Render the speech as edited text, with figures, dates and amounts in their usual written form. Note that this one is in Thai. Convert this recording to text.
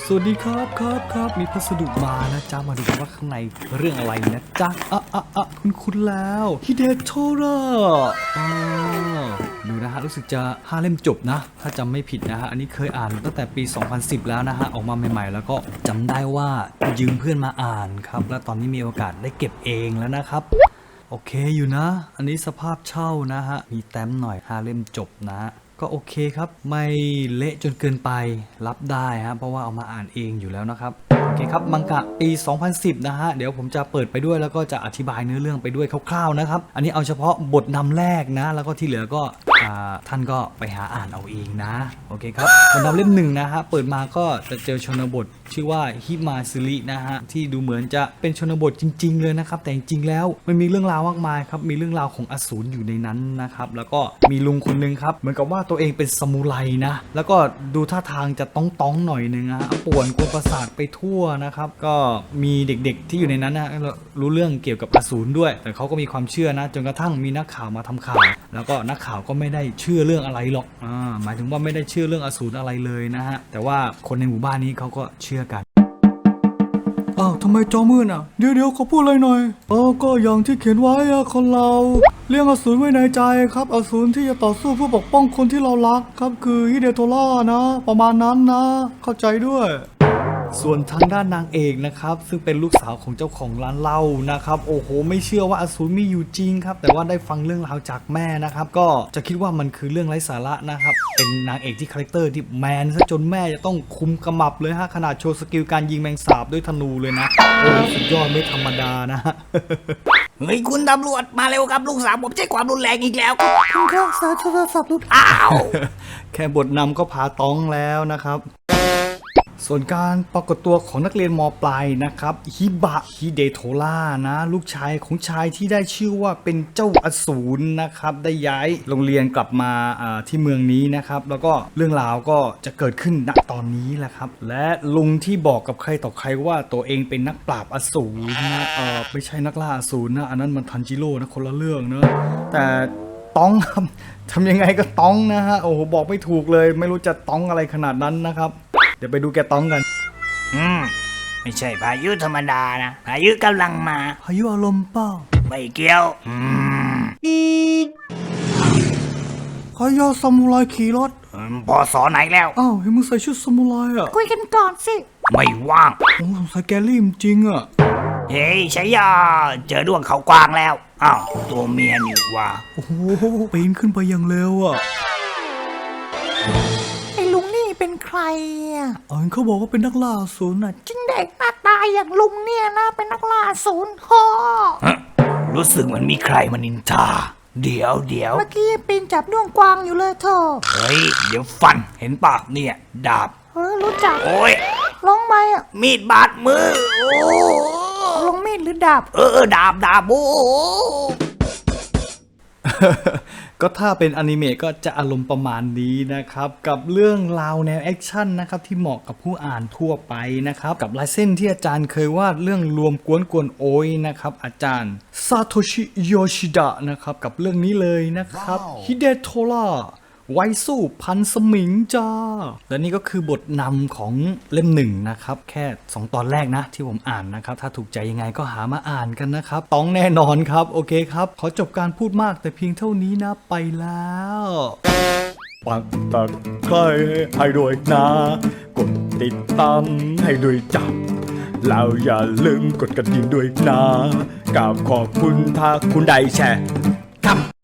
สวัสดีครับมีพัสดุมานะจ๊ะมาดูกันว่าข้างในเรื่องอะไรนะจ๊ะคุณแล้วฮิเดโทระดูนะฮะรู้สึกจะ5 เล่มจบนะถ้าจำไม่ผิดนะฮะอันนี้เคยอ่านตั้งแต่ปี 2010 แล้วนะฮะออกมาใหม่ๆแล้วก็จำได้ว่ายืมเพื่อนมาอ่านครับและตอนนี้มีโอกาสได้เก็บเองแล้วนะครับโอเคอยู่นะอันนี้สภาพเช่านะฮะมีแต้มหน่อย5 เล่มจบนะก็โอเคครับไม่เละจนเกินไปรับได้ฮะเพราะว่าเอามาอ่านเองอยู่แล้วนะครับโอเคครับมังกะปี 2010 นะฮะเดี๋ยวผมจะเปิดไปด้วยแล้วก็จะอธิบายเนื้อเรื่องไปด้วยคร่าวๆนะครับอันนี้เอาเฉพาะบทนำแรกนะแล้วก็ที่เหลือก็ท่านก็ไปหาอ่านเอาเองนะโอเคครับบทนำเล่ม1นะฮะเปิดมาก็จะเจอชนบทชื่อว่าฮิมาซึรินะฮะที่ดูเหมือนจะเป็นชนบทจริงๆเลยนะครับแต่จริงๆแล้วมันมีเรื่องราวมากมายครับมีเรื่องราวของอสูรอยู่ในนั้นนะครับแล้วก็มีลุงคนนึงครับเหมือนกับว่าตัวเองเป็นซามูไรนะแล้วก็ดูท่าทางจะต้องหน่อยนึงนะป่วนกวนประสาทไปทั่วนะครับก็มีเด็กๆที่อยู่ในนั้นนะรู้เรื่องเกี่ยวกับอสูรด้วยแต่เขาก็มีความเชื่อนะจนกระทั่งมีนักข่าวมาทำข่าวแล้วก็นักข่าวก็ไม่ได้เชื่อเรื่องอะไรหรอกหมายถึงว่าไม่ได้เชื่อเรื่องอสูรอะไรเลยนะฮะแต่ว่าคนในหมู่บ้านนี้เขาก็เชื่อกันทำไมจอมืดอ่ะเดี๋ยวขอพูดเลยหน่อยก็อย่างที่เขียนไว้คนเราเลี้ยงอสูรไว้ในใจครับอสูรที่จะต่อสู้เพื่อปกป้องคนที่เรารักครับคือฮิเดโทระนะประมาณนั้นนะเข้าใจด้วยส่วนทางด้านนางเอกนะครับซึ่งเป็นลูกสาวของเจ้าของร้านเหล้านะครับโอ้โหไม่เชื่อว่าอสูรมีอยู่จริงครับแต่ว่าได้ฟังเรื่องราวจากแม่นะครับก็จะคิดว่ามันคือเรื่องไร้สาระนะครับเป็นนางเอกที่คาแรคเตอร์ที่แมนซะจนแม่จะต้องคุมกำมับเลยฮะขนาดโชว์สกิลการยิงแมงสาบด้วยธนูเลยนะโอ้สุดยอดไม่ธรรมดานะฮะเฮ้ยคุณตำรวจมาเร็วครับลูกสาวผมใช้ความรุนแรงอีกแล้วคุณข้าสายโทรศัพท์หลุดแค่บทนำก็พาต้องแล้วนะครับส่วนการปรากฏตัวของนักเรียนม.ปลายนะครับฮิบะฮิเดโทระนะลูกชายของชายที่ได้ชื่อว่าเป็นเจ้าอสูรนะครับได้ย้ายโรงเรียนกลับมาที่เมืองนี้นะครับแล้วก็เรื่องราวก็จะเกิดขึ้นณตอนนี้แหละครับและลุงที่บอกกับใครต่อใครว่าตัวเองเป็นนักปราบอสูรนะไม่ใช่นักล่าอสูรนะอันนั้นมันทันจิโร่นะคนละเรื่องเนอะแต่ต้องครับทำยังไงก็ต้องนะฮะโอ้โหบอกไม่ถูกเลยไม่รู้จะต้องอะไรขนาดนั้นนะครับเดี๋ยวไปดูแกต้องกันไม่ใช่พายุธรรมดานะพายุกำลังมาพายุอารมณ์เปล่าไม่เกี่ยวพายาซามูไรขี่รถพอสอไหนแล้วเห็นมึงใส่ชุดซามูไรคุยกันก่อนสิไม่ว่างโอ้ใส่แกลี่มจริงเฮ้ยชัยยาเจอดวงเขากวางแล้วตัวเมียนี่ว่าโอ้โหปีนขึ้นไปอย่างเร็วไอ้ลุงนี่เป็นใครเขาบอกว่าเป็นนักล่าอสูรจริงเด็กหน้าตาอย่างลุงเนี่ยนะเป็นนักล่าอสูรรู้สึกเหมือนมีใครมานินทาเดี๋ยวเมื่อกี้ปีนจับด้วงกวางอยู่เลยเธอเฮ้ยเดี๋ยวฟันเห็นปะเนี่ยดาบรู้จักโอ้ยลงไหมมีดบาดมือลงมีดหรือดาบดาบโอ้ก็ถ้าเป็นอนิเมะก็จะอารมณ์ประมาณนี้นะครับกับเรื่องราวแนวแอคชั่นนะครับที่เหมาะกับผู้อ่านทั่วไปนะครับกับลายเส้นที่อาจารย์เคยวาดเรื่องรวมกวนโอยนะครับอาจารย์ซาโตชิโยชิดะนะครับกับเรื่องนี้เลยนะครับฮิเดโทระไว้สู้พันสมิงจ้าและนี่ก็คือบทนำของเล่ม1นะครับแค่2ตอนแรกนะที่ผมอ่านนะครับถ้าถูกใจยังไงก็หามาอ่านกันนะครับต้องแน่นอนครับโอเคครับขอจบการพูดมากแต่เพียงเท่านี้นะไปแล้วปักตะไคร้ให้ด้วยนะกดติดตามให้ด้วยจับแล้วอย่าลืมกดกระดิ่งด้วยนะกับขอบคุณถ้าคุณได้แชร์ครับ